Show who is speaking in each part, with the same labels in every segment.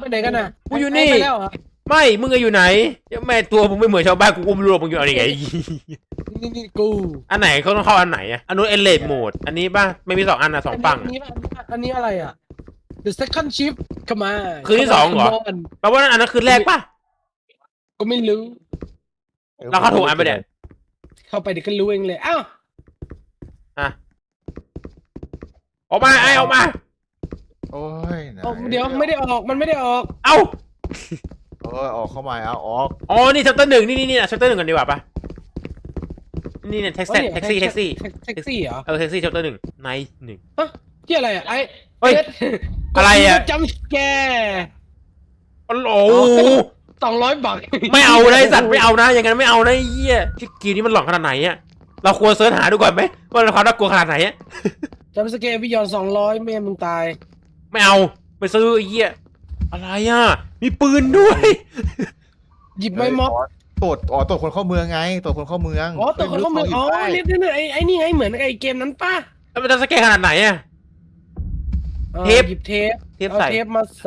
Speaker 1: ไปไหนกันน่ะ
Speaker 2: กูอยู่นี่
Speaker 1: ไปแล้วเหรอ
Speaker 2: ไม่มึงอยู่ไหนแม่ตัวมึงไม่เหมือนชาวบ้านกูอุ้มรวมมึงอยู่อะไรไง
Speaker 1: นี่กู
Speaker 2: อันไหนเขาต้องเข้าอันไหนอ่ะอันนู้นเอเลดโหมดอันนี้ป่ะไม่มี2อันนะ2ฝั่ง
Speaker 1: อันนี้อะไรอ่ะ The second shift เข้ามา
Speaker 2: คืนที่2เหรอแปลว่าอันนั้นคืนแรกป่ะ
Speaker 1: ก็ไม่รู้
Speaker 2: เราเข้าถูกอันไปเนี่ย
Speaker 1: เข้าไปเดี๋ยวก็รู้เองเลยอ้าว
Speaker 2: อ่ะออกมาไอออกมา
Speaker 3: โอ้ยไหน
Speaker 1: เดี๋ยวไม่ได้ออกมันไม่ได้ออก
Speaker 2: เอ้า
Speaker 3: ออกเข้ามาเอาออก
Speaker 2: อ๋อนี่ชัปเตอร์1นี่นะชัปเตอร์1กันดีกว่าป่ะนี่เนี่ยแท็กซี่แท็กซี่
Speaker 1: แท็กซี่เหรอ
Speaker 2: แท็กซี่ชัปเตอร์1ไนท์1
Speaker 1: ที่อะไรอ่ะไอ้
Speaker 2: เฮ้ยอะไรอ่ะ
Speaker 1: จำแก
Speaker 2: โอ้โห
Speaker 1: 200 บาท
Speaker 2: ไม่เอานะไอสัตว์ไม่เอานะอย่างนั้นไม่เอานะไอ้เหี้ยที่เกมนี้มันหลอนขนาดไหนอ่ะเราควรเสิร์ชหาดูก่อนไหมว่ามันความน่ากลัวขนาดไหนอ่ะ
Speaker 1: จำสเกลวิยอน200แม่มึงตาย
Speaker 2: ไม่เอาไปซื้อไอ้เหี้ยอะไรอ่ะมีปืนด้วย
Speaker 1: หยิบไม้ม็อบ
Speaker 3: ตรวจคนเข้าเมืองไงตรวจคนเข้าเมือง
Speaker 1: อ๋อตัวคนเขามืออ๋อเนี่ยไอ้นี่ไงเหมือนไอ้เกมนั้นป่ะ
Speaker 2: แล้วมันจะสแกนขนาดไหนอ่ะ เทป
Speaker 1: หยิบเทป
Speaker 2: เทป
Speaker 1: เอา
Speaker 2: ใส่
Speaker 1: เทปมาใส่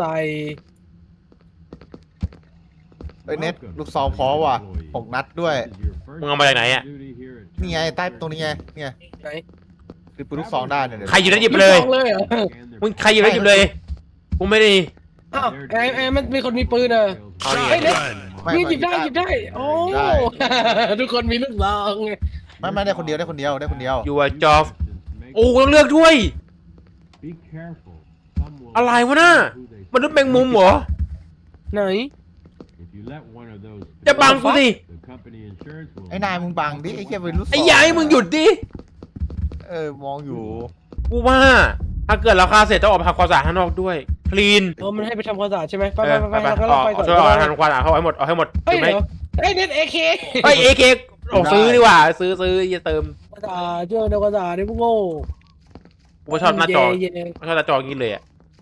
Speaker 3: เน็ตลูกซองพอว่ะ6 นัดด้วย
Speaker 2: มึงเอามาจากไหนอ่ะ
Speaker 3: นี่ไงใต้ตรงนี้ไงเนี่ย
Speaker 1: ไหน
Speaker 3: คือปืนลูกซองได้เนี่ย
Speaker 2: ใครอยู่ได้หยิบเลย
Speaker 1: ลูกซองเลยเหรอ
Speaker 2: มึงใครอยู่ได้หยิบเลยกูไม่ได้
Speaker 1: อ้าวไอ้มันมีคนมีปืนเหรอ
Speaker 2: เอาดิ
Speaker 1: เฮ้ยเด็ก
Speaker 3: ไม่
Speaker 1: นี่หยิบได้โอ้ ทุกคนมีลูกซองไง
Speaker 3: ไม่ได้คนเดียวได้คนเดียว
Speaker 2: อยู่อะจอฟโอ้ต้องเลือกด้วย อะไรวะน่ะมนุษย์แมงมุมเหรอ
Speaker 1: ไหน
Speaker 2: จะบังกูสิ
Speaker 3: ไอ้นายมึงบังดิไอ้แค่ปืนลูกซอง
Speaker 2: ไอ้ยายมึงหยุดดิ
Speaker 3: มองอยู่
Speaker 2: กูว่าถ้าเกิดเราฆ่าเสร็จต้องออกไปทำความสะอาดข้างนอกด้วยคลีน
Speaker 1: มันให้ไปทำความสะอาดใช่ไหมไป
Speaker 2: ไป
Speaker 1: ไป
Speaker 2: ไป
Speaker 1: ไป
Speaker 2: ไป
Speaker 1: เราไปก่อน
Speaker 2: ช่วยเอาทำความสะอาดเข้าให้หมดเอาให้หมด
Speaker 1: เฮ้ย
Speaker 2: ถูกไหม
Speaker 1: เดี๋ยวเฮ้ยเน็ตAK
Speaker 2: เฮ้ยเอเคโอ้ซื้อดีกว่าซื้ออย่าเติม
Speaker 1: ความสะอาดช่วยทำความสะอาดนี่พวกโง่
Speaker 2: กูชอบหน้าจอ
Speaker 1: เย่
Speaker 2: กูชอบหน้าจออย่างนี้เลยอ่ะ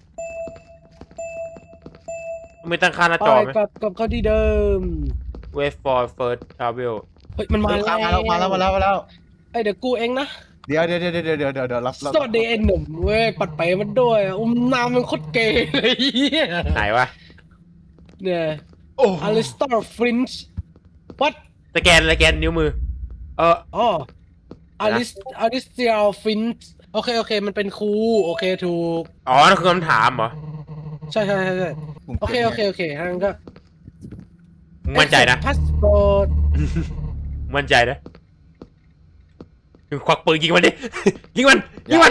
Speaker 2: ไม่ตั้งค่าหน้า
Speaker 1: ไป
Speaker 2: จอไหม
Speaker 1: กลับเข้าที่เดิม
Speaker 2: wait for first travel
Speaker 1: เฮ้ยมันมาแล้ว
Speaker 3: มาแล้ว
Speaker 1: เอ้ยเดี๋ยวกูเองนะ
Speaker 3: เดี๋ยวรับ
Speaker 1: สวัสดีไอ้หนุ่มเว้ยปัดไปมันด้วยนามมันโคตรเกย์เลย
Speaker 2: ไหนวะ
Speaker 1: เนี่ย
Speaker 2: โอ้
Speaker 1: อลิสตอร์ฟรินช์วัด
Speaker 2: สแกนนิ้วมือ
Speaker 1: อ๋ออลิสเตียลฟินช์โอเคมันเป็นครูโอเคถูก
Speaker 2: อ๋อนั่นคือคำถามเหรอ
Speaker 1: ใช่โอเคงั้นก็
Speaker 2: มึงมั่นใจนะ
Speaker 1: พาสปอร์ต
Speaker 2: มั่นใจนะถึงควักปืนยิงมันดิ ยิงมัน
Speaker 3: เฮ้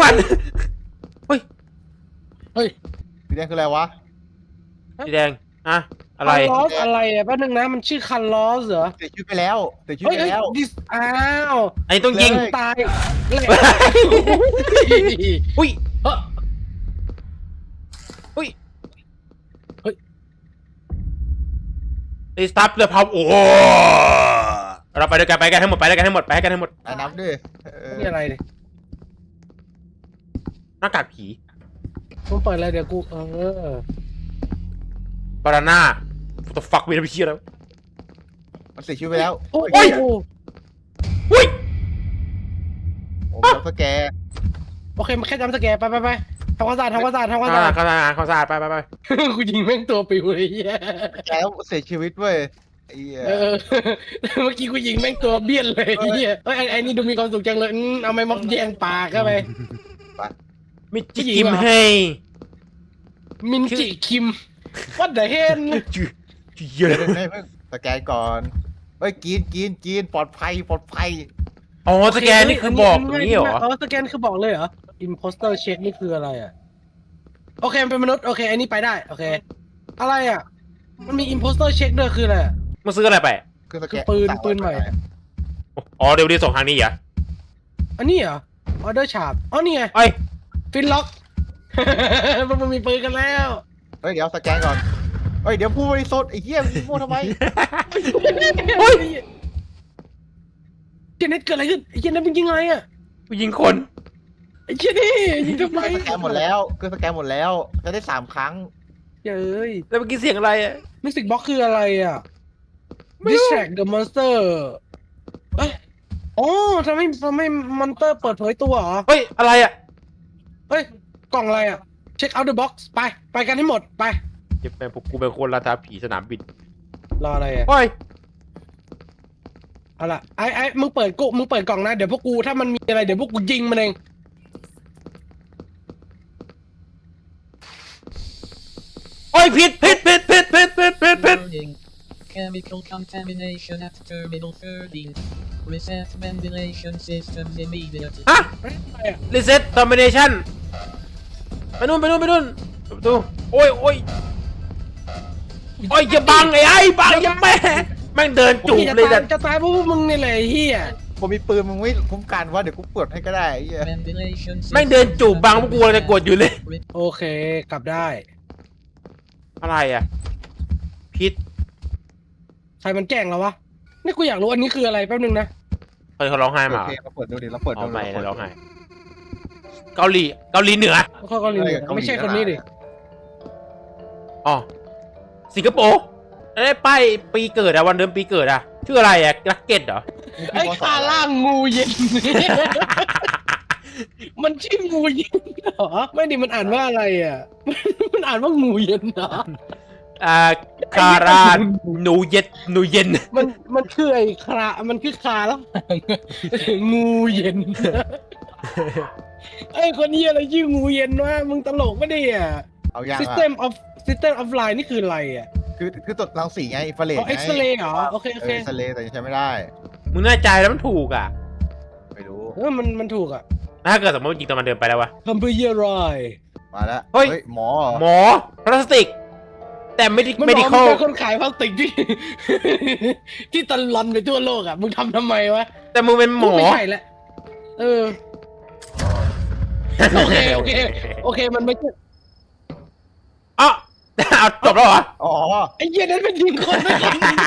Speaker 3: ยสีแดงคืออะไรวะ
Speaker 2: สีแดงอะอะไร
Speaker 1: คันลอสอะไรอ่ะแป๊บนึงนะมันชื่อคันลอสเหรอ
Speaker 3: เสียชีวิตไปแล้ว
Speaker 1: ดิสอ้าว
Speaker 2: อันนี้ต้องยิง
Speaker 1: ตายเลย
Speaker 2: อุ้ย
Speaker 1: เฮ้ย
Speaker 2: ไอ้สตาร์ทเรือพับโอ้เราไปด้วยกันไปกันให้หมด
Speaker 3: ไอ้น้ำด้วย
Speaker 1: นี่อะไรเนี่ย
Speaker 2: หน้ากากผี
Speaker 1: มึงเปิดอะไรเดี๋ยวกู
Speaker 2: บานาน่าตัวฟักมีอะไรไปเชี่ยแล้ว
Speaker 3: มันเสียชีวิตไปแล้ว
Speaker 1: โอ้ย
Speaker 2: อุ้ย
Speaker 3: โอ้แล้วก็แก
Speaker 1: โอเคมันแค่จำสแกนไปทำความสะอาด
Speaker 2: ข้าวสารไป
Speaker 1: กูยิงแม่งตัวปิวเลยเฮีย
Speaker 3: แกแล้วเสียชีวิตเว้ยไอ้
Speaker 1: เมื่อกี้กูยิงแม่งตัวเบี้ยนเลยเฮียเฮ้ยไอ้นี่ดูมีความสุขจังเลยเอาไม้ม็อบแยงปากเข้าไป
Speaker 2: มิจิกิมให้
Speaker 1: มินจิคิม What the hell
Speaker 2: เยอะ
Speaker 3: ไม่เพิ่งสแกนก่อนเฮ้ยกินปลอดภัย
Speaker 2: อ๋อสแกนนี่คือบอกตรงนี้เหรอ
Speaker 1: สแกนคือบอกเลยเหรอ imposter check นี่คืออะไรอ่ะโอเคมันเป็นมนุษย์โอเคอันนี้ไปได้โอเคอะไรอ่ะมันมี imposter check ด้วยคืออะไร
Speaker 2: มึงซื้ออะไรไป
Speaker 3: คือสแก
Speaker 1: คื
Speaker 3: น
Speaker 1: อปืนใหม่
Speaker 2: อ๋อเดี๋ยวส่งทางนี้เหรอ
Speaker 1: อันนี้เหรอออเดอร์ชาร์ปอ๋อนี่ไง
Speaker 2: เอ้ย
Speaker 1: ฟินล็อก มันมีปืนกันแล้ว
Speaker 3: เฮ้ยเดี๋ยวสแกนก่อนเฮ้ยเดี๋ยวพูดบริสุทธิ์ไอ้เหี้ยมึงพูดทำไม
Speaker 1: เฮ้ยเจเน็ตเกิดอะไรขึ้นไอ้เจเน็ตเป็นยิงไงอ่ะ
Speaker 2: กูยิงคน
Speaker 1: ไอ้เจเน็ตยิงทำไม
Speaker 3: สแกนหมดแล้วคือสแกนหมดแล้วจะได้3 ครั้ง
Speaker 1: เย้ย
Speaker 2: แล้วเมื่อกี้เสียงอะไรอ่ะ
Speaker 1: มิวสิกบ็อกคืออะไรอ่ะ distract the monster เอ้ยอ๋อทำให้มอนเตอร์เปิดเผยตัวเหรอ
Speaker 2: เฮ้ยอะไรอ่ะ
Speaker 1: เฮ้ย กล่องอะไรอ่ะ check out the box ไปกันให้หมดไป
Speaker 2: เจ็บแม่พวกกูเป็นคนราชาผีสนามบิน
Speaker 1: รออะไรอ่ะ
Speaker 2: โอ้ย
Speaker 1: เอาล่ะไอ้มึงเปิดกล่องนะเดี๋ยวพวกกูถ้ามันมีอะไรเดี๋ยวพวกกูยิงมันเอง
Speaker 2: โอ้ยผิด
Speaker 4: Warning. Chemical contamination at terminal 13. Reset ventilation systems immediately.
Speaker 2: ฮะ
Speaker 1: อะไรอ่ะ
Speaker 2: reset termination ไปนู่นเปิดประตูโอ้ยอย่าบังไอ้บังอย่าแม่งเดินจูบเลยแต่
Speaker 1: จะตายเพราะพวกมึงนี่แหละไอ้เฮีย
Speaker 3: ผมมีปืนมึงไม่คุ้มกันว่าเดี๋ยวกูเปิดให้ก็ได้ไอ้เหี้ย
Speaker 4: Ventilation
Speaker 2: แม่งเดินจูบบังพวกกูเลยจะกดอยู่เลย
Speaker 1: โอเคกลับได้
Speaker 2: อะไรอ่ะพิษ
Speaker 1: ใครมันแกล้งเราวะนี่กูอยากรู้อันนี้คืออะไรแป๊บนึงนะ
Speaker 2: เฮ้ยเขาร้องไห้มา
Speaker 3: โอเคเราเปิดดูดิเราเปิด
Speaker 2: เอา
Speaker 3: ดู
Speaker 2: ไม่นะร้องไห้เกาหลีเหนือ
Speaker 1: เขาก็รีไม่ใช่คนนี้ดิ
Speaker 2: อ๋อสิงคโปร์ได้ป้ายปีเกิดอะวันเดือนปีเกิดอะชื่ออะไรอะลักเก็ตเหรอ
Speaker 1: ไอ้คาล่างงูเย็น มันชื่องูเย็นเหรอไม่ดิมันอ่านว่าอะไรอ่ะ มันอ่านว่างูเย็นเหรอ
Speaker 2: คาราหนูเย็น
Speaker 1: มันคือไอ้มันคือคาแล้ว งูเย็น ไอ้คนนี้อะไรชื่องูเย็นวะมึงตลกไม่ได้อ่ะ
Speaker 3: เอาอย่าง
Speaker 1: System of Line นี่คืออะไรอ่ะ
Speaker 3: คือตรวจรังสีไงอินฟราเรด
Speaker 1: อ๋อ X-ray เหรอโอเค
Speaker 3: เอ็กซเรย์แต่ยังใช้ไม่ได้
Speaker 2: มึงแน่ใจแล้วมันถูกอะ
Speaker 3: ไม่รู้
Speaker 1: มันถูกอ่ะ
Speaker 2: ถ้าเกิดสมมติจริงตอนมันเดินไปแล้ววะ
Speaker 1: คำพูดเยี่ยรอย
Speaker 3: มาแล้ว
Speaker 2: เฮ้ย
Speaker 3: หมอ
Speaker 2: หมอพลาสติก แต่ไม่ได้
Speaker 1: มัน
Speaker 2: ไม่
Speaker 1: บ
Speaker 2: ได้
Speaker 1: อก
Speaker 2: เข้า
Speaker 1: มันเป็นคนขายพลาสติกที่ ที่ตลอนไปทั่วโลกอ่ะมึงทำไมวะ
Speaker 2: แต่มึงเป็นหมอ
Speaker 1: ไม่ใช่แหละเออ โอเคมันไม่ใช่
Speaker 2: อ๋อเอาจบแล้วเหรอ
Speaker 3: อ๋อ
Speaker 1: ไอ้เหี้ยนั้นเป็นยิงคนไม่ใช่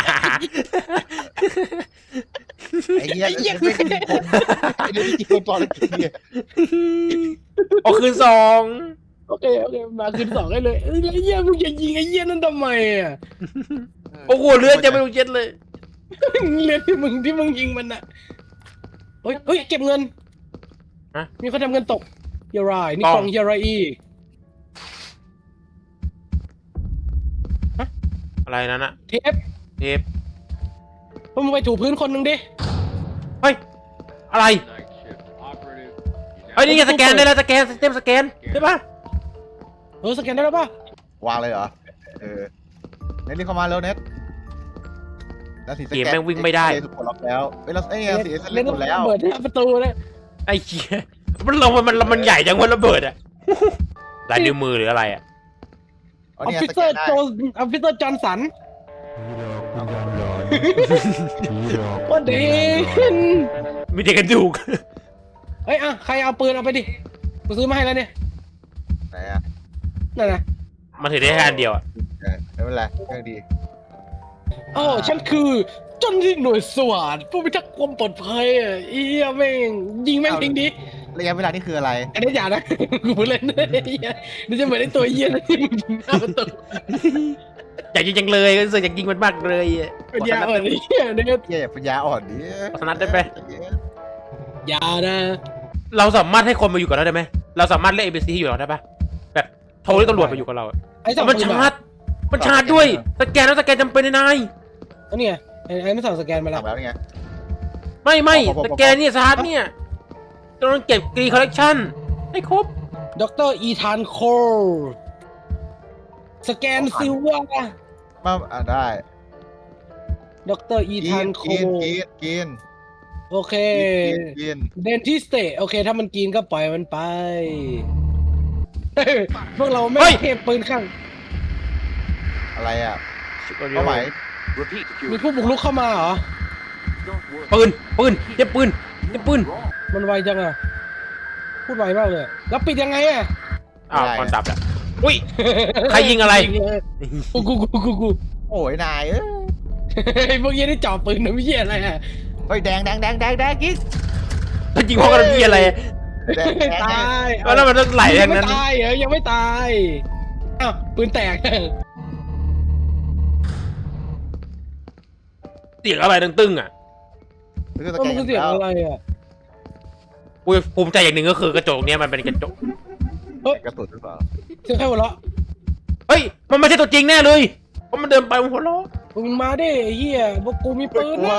Speaker 3: ไอ้เหี้ยไม่เป็นคนไอ้เรื่องที่กินคนตอนละกินเนี่ย
Speaker 2: โอ้คืนสอง
Speaker 1: โอเคมาคืนสองได้เลยไอ้เหี้ยมึงจะยิงไอ้เหี้ยนั่นทำไมอ่ะ
Speaker 2: โอ้โหเลือดจะไม่รู้เจ็ดเลย
Speaker 1: เรียนที่มึงยิงมันอ่ะเฮ้ยเก็บเงิน
Speaker 2: ฮะ
Speaker 1: มีคนทำเงินตกเฮียรายนี่
Speaker 2: กล่อง
Speaker 1: ของเฮียรายอีก
Speaker 2: อะไรนั่นอะ
Speaker 1: เทป
Speaker 2: เทป
Speaker 1: พวกมึงไปถูพื้นคนหนึ่งดิ
Speaker 2: เฮ้ยอะไรเฮ้ยนี่ไงสแกนได้แล้วสแกนเต็มสแกนใช่ปะ
Speaker 1: สแกนได้แล้วป่ะ
Speaker 3: วางเลยเหรอเน็ตรีบเข้ามาแล้วเน็ตแล้วสีส
Speaker 2: เกม
Speaker 3: แกน
Speaker 2: แม่งวิ่งไม่ได้
Speaker 3: ถูกปลดล็อกแล้วเฮ้ยเราสีเอสเล่นหมดแล้ว
Speaker 1: เปิดหน้าประตูเลย
Speaker 2: ไอ้เหี้ยมันใหญ่จังวะระเบิดอะลายนิ้วมือหรืออะไรอะ
Speaker 3: อ๋อ
Speaker 1: ออฟ
Speaker 3: เนี่ย
Speaker 1: ฟิ
Speaker 3: ส
Speaker 1: เซ
Speaker 3: แก
Speaker 1: อร์
Speaker 3: นได้
Speaker 1: โจออฟฟิเซอร์จอห์นสันว่าเด่น
Speaker 2: มีแต่กระดูก
Speaker 1: เฮ้ยใครเอาปืนเอาไปดิกูซื้อมาให้แล้วเนี่ย
Speaker 3: ไหนอ่ะ
Speaker 1: นั่นนะ
Speaker 2: มันถือได้แค่อันเดียวอะ
Speaker 3: ไม่เป็นไรเรื่องดี
Speaker 1: โอ้ฉันคือเจ้าหน้าที่หน่วยสวัสดผู้พิทักษ์ความปลอดภัยอ่ะเอี้ยแม่งยิงแม่งทิ้งดิ
Speaker 3: ระยะเวลานี่คืออะไร
Speaker 1: อันนี้อย่านะ กูพูดเล่นนะไอ้เหี้ยนี่จะเหมือนไอ้ตัวเหี้ยนะที่มึงยิงหน้าประตู
Speaker 2: อยากยิงจังเลยรู้สึกอยากยิงมันมากเลยอะ
Speaker 1: เป็นยาอ่อนไอ้เหี้ยเนี่ย
Speaker 3: เหี้ยปัญญาอ่อนดิ
Speaker 2: สนัดได้ไหม
Speaker 1: อยานะ
Speaker 2: เราสามารถให้คนมาอยู่กับเราได้ไหมเราสามารถเรียก ABC ให้อยู่กับเราได้ปะแบบโทรเรียกตำรวจมาอยู่กับเราอะ
Speaker 1: ไอ้สอง
Speaker 2: มันชาร์จด้วยสแกนแล้วสแกนจำเป็นนาย
Speaker 1: อันนี้ไอ้ไม่สั่งสแกนมาแล้ว
Speaker 3: ทำแล้วนี่ไง
Speaker 2: ไม่สแกนเนี่ยชาร์จเนี่ยต้องเก็บกรีคอลเลกชันให้ครบ
Speaker 1: ดรอีธานโคลสแกนซิลว่า
Speaker 3: มาได้
Speaker 1: ดรอีธานโคล
Speaker 3: กิน
Speaker 1: โอเค
Speaker 3: กิน
Speaker 1: เดนทิสเตโอเค ถ้ามันกินก็ปล่อยมันไป พวกเราไม่เทพปืนข้าง
Speaker 3: อะไรอ่ะเป้าหมาย
Speaker 1: มีผู้บุกรุกเข้ามาเหรอ
Speaker 2: ปืนเจ็บปืน
Speaker 1: มันไวจังอะพูดไวมากเลย แล้วปิดยังไงอะ
Speaker 2: อ้าวคอนดับอ่ะอุ้ย ใครยิงอะไร
Speaker 1: กู
Speaker 3: โอ้ยนายเอ้ย
Speaker 1: ไอ้พวกเหี้ยนี่จ่อปืนนะไม่เหี้ยอะไรอะ
Speaker 3: เฮ้ยแดงกิ๊ก
Speaker 2: มันยิงพวกกันพี่อะไร
Speaker 3: แดง
Speaker 1: ตาย
Speaker 2: แล้วมันต้องไหลอย่าง
Speaker 1: ไม่
Speaker 2: นั้น
Speaker 1: ตายเหรอยังไม่ตายอ้าวปืนแตก
Speaker 2: เสียงอะไรตึ้งๆอ่ะ
Speaker 1: ก็มันคือเสียงอะไรอะ
Speaker 2: กูภูมิใจอย่างหนึ่งก็คือกระจกเนี้ยมันเป็นกระจก
Speaker 3: กระสุนหรือเปล่า
Speaker 1: เสียงใครหัวเราะ
Speaker 2: เฮ้ยมันไม่ใช่ตัวจริงแน่เลยเพราะมันเดินไปมันหัวเราะ
Speaker 1: มึงมาดิไอ้เหี้ยพวกกูมีปืนนะ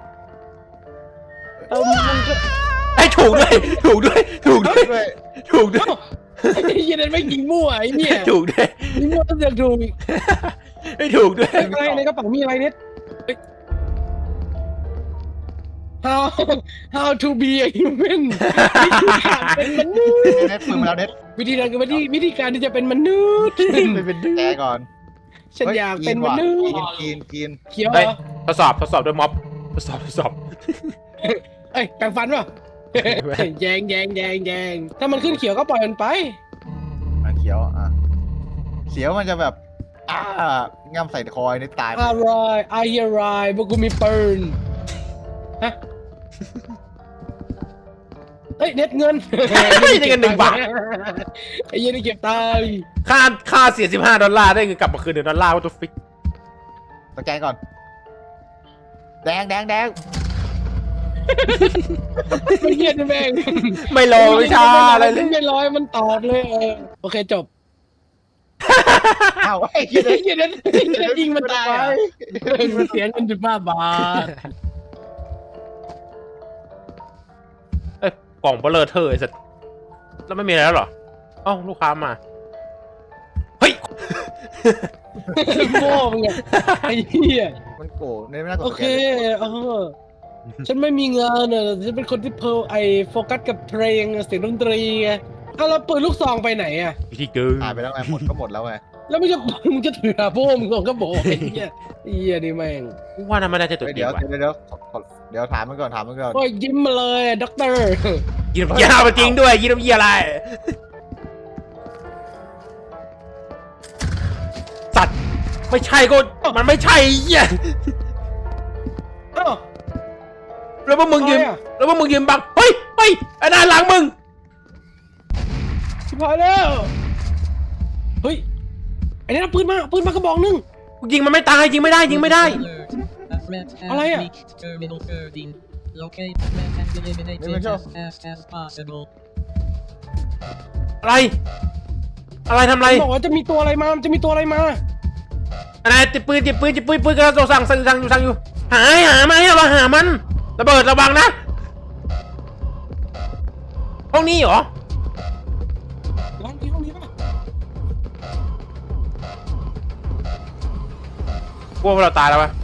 Speaker 1: เอามึงก็
Speaker 2: ไอ้ถูกด้วยถูกด้วยถูกด้วย
Speaker 3: ด้วย
Speaker 2: ถูกด้วย
Speaker 1: ไอ้เหี้ยนั่นไม่ยิงมั่วไอ้เนี่ย
Speaker 2: ถูกด้วย
Speaker 1: ยิงมั่วต้องเสือกถูกอีก
Speaker 2: ไม่ถูกด้วย
Speaker 1: อะไรในกระเป๋ามีอะไรเนี่ยเฮ้ย how to be a human วิธีการเป็นมนุษย์
Speaker 3: เน็ตปืนมาแล้วเน็ต
Speaker 1: วิธีการคือวิธีการที่จะเป็นมนุษย์
Speaker 2: ไม่เป็นดื้อ
Speaker 3: แกก่อน
Speaker 1: ฉันอยากเป็นมนุษย์
Speaker 3: กิน
Speaker 1: เขียวเห
Speaker 2: เฮ้
Speaker 1: ร
Speaker 2: ย
Speaker 1: อ
Speaker 2: ทดสอบด้วยม็อบทดสอบ
Speaker 1: เอ้ยแปรงฟันป่ะแยงถ้ามันขึ้นเขียวก็ปล่อยมันไป
Speaker 3: มันเขียวอ่ะเขียวมันจะแบบง่ำใส่คอยในตาย
Speaker 1: อะไรพวกกูมีปืนฮะเฮ้ยเน็ตเงิน
Speaker 2: ได้เงิน1 บาท
Speaker 1: ไอ้เหี้ยนี่เก็บตังค์
Speaker 2: ค่าเสีย$15ได้เงินกลับมาคืน$1ว่าตัวฟิก
Speaker 3: สแกนก่อนแดง
Speaker 1: ไอ้เหี้ยนี่แม่ง
Speaker 2: ไม่รอวิชาอะไรเลย
Speaker 1: ไม่ร้อยมันตอบเลยโอเคจบ
Speaker 3: อ้าวไอ้
Speaker 1: ไอ้เหี้ยนั้นยิงมันตายอ่ะมันเสียเงิน15 บาท
Speaker 2: เอ้ยกล่องเบลอเธอไอ้สัสแล้วไม่มีอะไรแล้วเหรอเอ้าลูกค้ามาเฮ้ย
Speaker 1: โง่มึงอะไอ้เหี้ย
Speaker 3: มันโกรธไม่น่ากด
Speaker 1: โอ
Speaker 3: ส
Speaker 1: เค
Speaker 3: แกน
Speaker 1: ฉันไม่มีงานอ่ะฉันเป็นคนที่โฟกัสกับเพลงเสียงดนตรีไงเอาแล้วปืนลูกซองไปไหนอ่ะ
Speaker 2: วิธีเกิน
Speaker 3: หายไปแล้วไงหมดแล้วไง
Speaker 1: แล้วมึงจะถือหาพวกมึงก็บอกไอ้เหี้ยนี่แม่ง
Speaker 2: ว่าน่าไม่น่าจะตัวจริ
Speaker 3: เดี๋
Speaker 2: ง
Speaker 3: ยว
Speaker 2: ว่ะ
Speaker 3: เดี๋ยวถามมันก่อน
Speaker 1: โอ้ยยิ้มมาเลยด็อกเตอร์
Speaker 2: ยินดีเอามาจริงด้วยยินดีอะไรสัตว์ไม่ใช่ก็มันไม่ใช่เหี้ย
Speaker 1: อ้าว
Speaker 2: แล้วพวกมึงยืน
Speaker 1: อะไรอะ
Speaker 2: แล้วพวกมึงยืนบังเฮ้ยไอ้หน้าหลังมึง
Speaker 1: ชิบหายแล้วเฮ้ยไอ้นี่เอาปืนมากระบอกนึง
Speaker 2: ยิงมันไม่ตายยิงไม่ได้ยิงไม่ได้
Speaker 4: A threat has
Speaker 1: อะไรอะ
Speaker 4: reached Terminal 13. Locate threat and eliminate it as fast as possible.
Speaker 2: อะไรทำอะไร
Speaker 1: บอกว่าจะมีตัวอะไรมา
Speaker 2: อะไรจิบปืนกำลังสั่งอยู่หามาให้เราหามันระเบิดระวังนะห้องนี้เหรอ
Speaker 1: ร้านที่ห้องนี้ป่ะ
Speaker 2: กลัวว่าเราตายแล้วปะ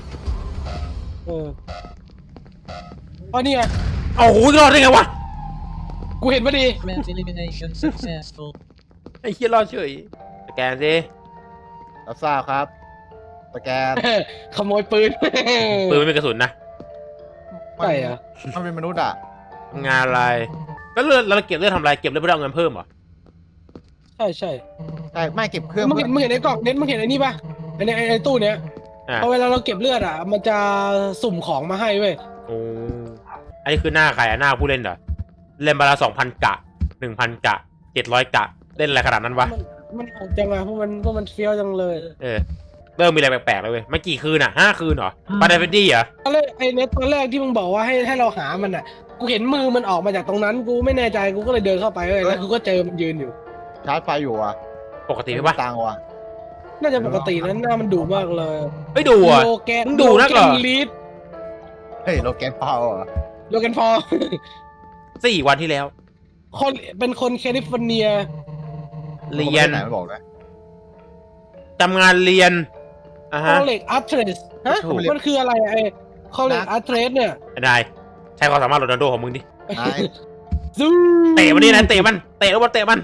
Speaker 1: อ๋อนี่ไง
Speaker 2: โอ้โหรอดได้ไงวะ
Speaker 1: กูเห็นพอดี
Speaker 4: Threat elimination successful.
Speaker 2: ไอ้เหี้ยรอดเฉยสแกนสิ
Speaker 3: รับทราบครับสแกน
Speaker 1: ขโมยปืน
Speaker 2: ปืนไม่มีกระสุนนะ
Speaker 1: ใช่เหรอ
Speaker 3: มันเป็นมนุษย์อ่ะ
Speaker 2: ทำงานอะไรแล้วเราเก็บเลือดทำอะไรเก็บเลือดเพื่อเอาเงินเพิ่มเหรอ
Speaker 1: ใช่
Speaker 3: ใช่ไม่เก็บเครื่อง
Speaker 1: มึงเห็นไอ้กล่องเน็ตมึงเห็นไอ้นี่ป่ะไอ้ตู้เนี้ย
Speaker 2: อ่ะ
Speaker 1: พอเวลาเราเก็บเลือดอ่ะมันจะสุ่มของมาให้เว้ย
Speaker 2: โอ้อันนี้คือหน้าใครอะหน้าผู้เล่นเหรอเล่นบาละ2,000 กะ 1,000 กะ 700 กะเล่นอะไรขนาดนั้นวะ
Speaker 1: มันโหดจังอะพวกมันเฟี้ยวจังเลย
Speaker 2: เริ่มมีอะไรแปลกๆแล้วเว้ยมันกี่คืนอ่ะ5 คืนเหรอปาเดฟดี้เหรอ
Speaker 1: ตอนแรกไอ้เน็ตตอนแรกที่มึงบอกว่าให้เราหามันอ่ะกูเห็นมือมันออกมาจากตรงนั้นกูไม่แน่ใจกูก็เลยเดินเข้าไปเว้ยแล้วกูก็เจอมันยืนอยู่
Speaker 3: ชาร์จไฟอยู่อ่ะ
Speaker 2: ปกติไหมวะ
Speaker 3: ตังค์ว่ะ
Speaker 1: น่าจะปกตินั้นหน้ามันดุมากเลย
Speaker 2: ไม่ดูอ่ะ
Speaker 1: โลแกน
Speaker 2: มึงดุนักเหรอ
Speaker 1: โลแกนลีด
Speaker 3: เฮ้ยโลแกนเปาอ่ะ
Speaker 1: โลแกนฟอร์
Speaker 2: 4 วันที่แล้ว
Speaker 1: เป็นคนแคลิฟอร์เนีย
Speaker 2: เรียน
Speaker 3: ไหนมันบอกนะ
Speaker 2: ทำงานเรียนอ่ะ
Speaker 1: ค
Speaker 2: ฮะ
Speaker 1: อลเลกอาร์เทรสฮะ
Speaker 2: ถูก
Speaker 1: มันคืออะไรไอ้คอลเลกอาร์เทรสเนี่ย
Speaker 2: ไอ้นายใช้ความสามารถโรนัลโดของมึงดิ
Speaker 3: นาย
Speaker 1: ซู
Speaker 2: เตะมันดินะเตะมันเตะแล้วมันเตะมัน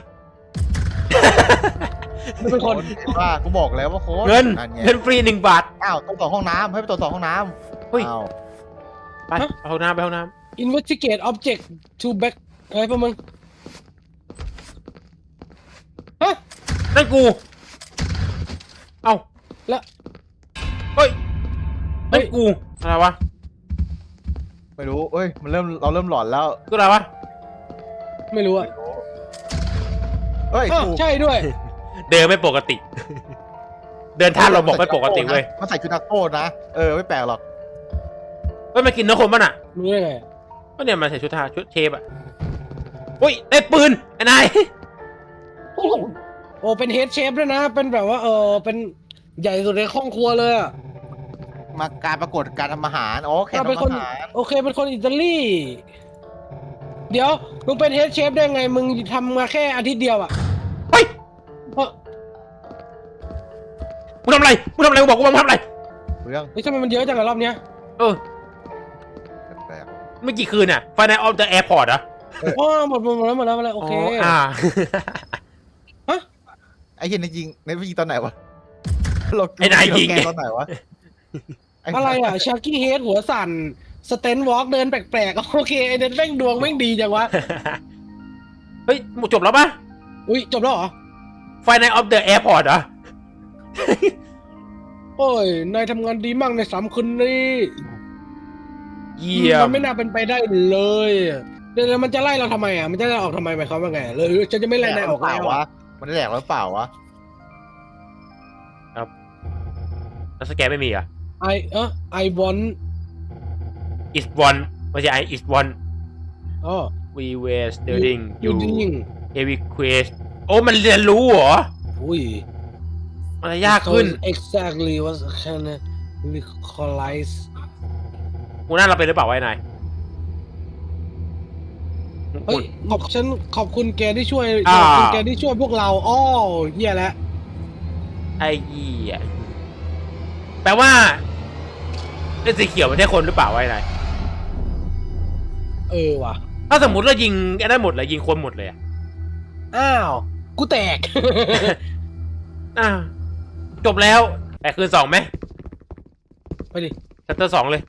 Speaker 1: มันเป็นคน
Speaker 3: ว่ากูบอกแล้วว่าโค้ด
Speaker 2: เงิน
Speaker 3: นั่นไง
Speaker 2: เงินฟรี1 บาท
Speaker 3: อ้าวต้องต่อห้องน้ำให้ไปตรวจสอบห้องน้ำ
Speaker 2: เฮ้ย
Speaker 3: อ้าว
Speaker 2: ไปเอาห้องน้ำไปห้องน้
Speaker 1: investigate object to back อะไรพวกมึงฮะ
Speaker 2: ำนั่นกูเอ้า
Speaker 1: แล้ว
Speaker 2: เฮ้ยนั่นกูอะไรวะ
Speaker 3: ไม่รู้เอ้ยเราเริ่มหลอนแล้ว
Speaker 2: กูอะไรวะ
Speaker 1: ไม่รู้อะ
Speaker 3: เฮ้ย
Speaker 1: อ้าว
Speaker 3: ถูก
Speaker 1: ใช่ด้วย
Speaker 2: เดินไม่ปกติ เดินท่าเราบอกไม่ปกติเว้ย
Speaker 3: มันใส่ชุดนักโทษนะไม่แปลกหรอก
Speaker 2: เฮ้ยมากินเนื้อคนป่ะน่ะ
Speaker 1: รู้ได้ไง
Speaker 2: ก็เนี่ยมันใส่ชุดเชฟอ่ะอุ้ยได้ปืนไอ้นาย
Speaker 1: โอ้เป็นเฮดเชฟด้วยนะ เป็นแบบว่าเป็นใหญ่สุดในห้องครัวเลยอะ
Speaker 3: มาการประกวดการทำอาหารโอเค
Speaker 1: เป็น
Speaker 3: ทำ
Speaker 1: คน
Speaker 3: อาหาร
Speaker 1: โอเคเป็นคนอิตาลีเดี๋ยวมึงเป็นเฮดเชฟได้ไงมึงทำมาแค่อาทิตย์เดียวอะ
Speaker 2: เฮ้ย
Speaker 1: เอ้อ
Speaker 2: มึงทำอะไรมึงทำอะไรกูบอกกูมึงทำอะไร
Speaker 3: เรื่อง
Speaker 1: เฮ้ยทำไมมันเยอะจังอะรอบเนี้ย
Speaker 2: เออ
Speaker 3: แปลก
Speaker 2: เมื่อกี่คืนน่ะไฟในออฟเดอะแอร์พอร์ตอะ
Speaker 1: อ๋อหมดแล้วโอเค
Speaker 3: ๆไอ้เหี้ยในยิงในยิงตอนไหนวะเรา
Speaker 2: ไอ้นายยิง
Speaker 3: แกตอนไหนวะ
Speaker 1: อะไรอะชาร์กี้เฮดหัวสั่นสเตนวอล์กเดินแปลกๆโอเคไอเดนแม่งดวงแม่งดีจังวะ
Speaker 2: เฮ้ยจบแล้วปะ
Speaker 1: อุ้ยจบแล้วเหรอ
Speaker 2: ไฟในออฟเดอะแอร์พอร์ตเหรอ
Speaker 1: โอ้ยนายทำงานดีมากใน3 คืนนี้
Speaker 2: เยี่ย
Speaker 1: มั
Speaker 2: ม
Speaker 1: นไม่น่าเป็นไปได้เลยเดี๋ยวมันจะไล่เราทำไมอ่ะมันจะไล่ออกทำไมหมายความว่าไงเลยฉันจะไม่ไล่นายออก
Speaker 3: เปล่า
Speaker 1: แล้ว
Speaker 3: วะมันได้แหลกหรือเปล่าวะ
Speaker 2: แล้วสแกนไม่มีเหรอ่ะ
Speaker 1: ไอวอน
Speaker 2: is one ไม่ใช่ I is one
Speaker 1: อ๋อ
Speaker 2: we were studying
Speaker 1: ยู
Speaker 2: you
Speaker 1: ดิ้ง
Speaker 2: every quest โอ้มันเรียนรู้เหรอ
Speaker 1: อุ้ย
Speaker 2: มันจะยากขึ้น
Speaker 1: exactly what can recognize
Speaker 2: กูน่าเราเป็นหรือเปล่าวะไอ้นาย
Speaker 1: เฮ้ยขอบคุณแกที่ช่วย
Speaker 2: อ่า
Speaker 1: ขอบคุณแกที่ช่วยพวกเราอ้อเฮียแล้ว
Speaker 2: ไอ้เหี้ยแปลว่าไอ้สีเขียวมันใช่คนหรือเปล่าวะไอ้นาย
Speaker 1: ว่ะ
Speaker 2: ถ้าสมมติเรายิงไอ้นั่นหมดเลยยิงคนหมดเลยอะ
Speaker 1: อ้าวกูแตก
Speaker 2: อ่าจบแล้วแต่คืน2ไหม
Speaker 1: ไปดิ
Speaker 2: ชัตเตอร์2เลย